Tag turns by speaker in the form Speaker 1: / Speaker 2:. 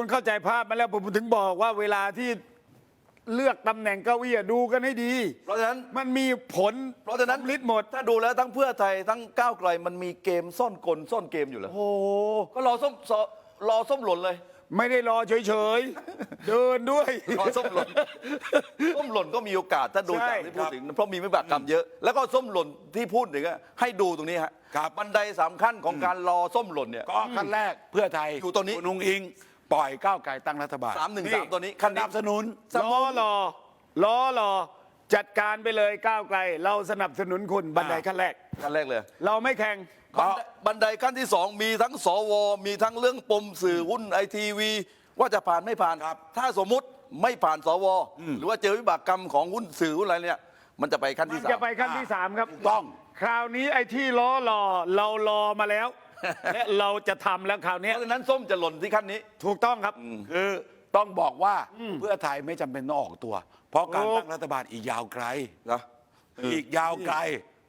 Speaker 1: คนเข้าใจภาพมาแล้วผมถึงบอกว่าเวลาที่เลือกตำแหน่งเก้าอี้ดูกันให้ดี
Speaker 2: เพราะฉะนั้น
Speaker 1: มันมีผล
Speaker 2: เพราะฉะนั้น
Speaker 1: ลิดหมด
Speaker 2: ถ้าดูแล้วทั้งเพื่อไทยทั้งก้าวไกลมันมีเกมซ่อนกลซ่อนเกมอยู่แล้ว
Speaker 1: โอ้โห
Speaker 2: ก็รอส้มหล่นเลย
Speaker 1: ไม่ได้รอเฉยๆ เดินด้วย
Speaker 2: รอส้มหล่น ส้มหล่นก็มีโอกาสถ้าดู
Speaker 1: ใช่
Speaker 2: จากที่พูดถึงเพราะมีวิบากกรรมเยอะ แล้วก็ส้มหล่นที่พูดถึงอะให้ดูตรงนี้ฮะ
Speaker 3: ครับ
Speaker 2: บันไดสำคัญของการรอส้มหล่นเนี่ย
Speaker 3: ก็ขั้นแรกเพื่อไทย
Speaker 2: อยู่ตรงนี้
Speaker 3: คุณนุงอิง ปล่อยก้าวไกลตั้งรัฐบาล
Speaker 2: 313ตัวนี้
Speaker 3: สนับสนุน
Speaker 1: ล้อรอจัดการไปเลยก้าวไกล เราสนับสนุนคุณบันไดขั้นแรก
Speaker 2: ขั้นแรกเลย
Speaker 1: เราไม่แข่ง
Speaker 2: บันไดขั้นที่สองมีทั้งสวมีทั้งเรื่องปมสื่อหุ้นไอทีวีว่าจะผ่านไม่ผ่าน
Speaker 3: ครับ
Speaker 2: ถ้าสมมุติไม่ผ่านสวหรือว่าเจอวิบากกรรมของหุ้นสื่อหุ้นอะไรเนี่ยมันจะไปขั้น
Speaker 1: มั
Speaker 2: ที่
Speaker 1: น
Speaker 2: สาม
Speaker 1: จะไปขั้นที่สามครับ
Speaker 3: ถูกต้อง
Speaker 1: คราวนี้ไอ้ที่ล้อรอเรารอมาแล้ว และเราจะทำแล้วคราว
Speaker 2: เพ
Speaker 1: นี้
Speaker 2: ราะฉะนั้นส้มจะหล่นที่ขั้นนี้
Speaker 1: ถูกต้องครับ
Speaker 3: คือต้องบอกว่าเพื่อไทยไม่จำเป็นต้องออกตัว เพราะการ
Speaker 1: ถูก
Speaker 3: ตั้งรัฐบาลอีกยาวไกล
Speaker 2: นะ
Speaker 3: อีกยาวไกล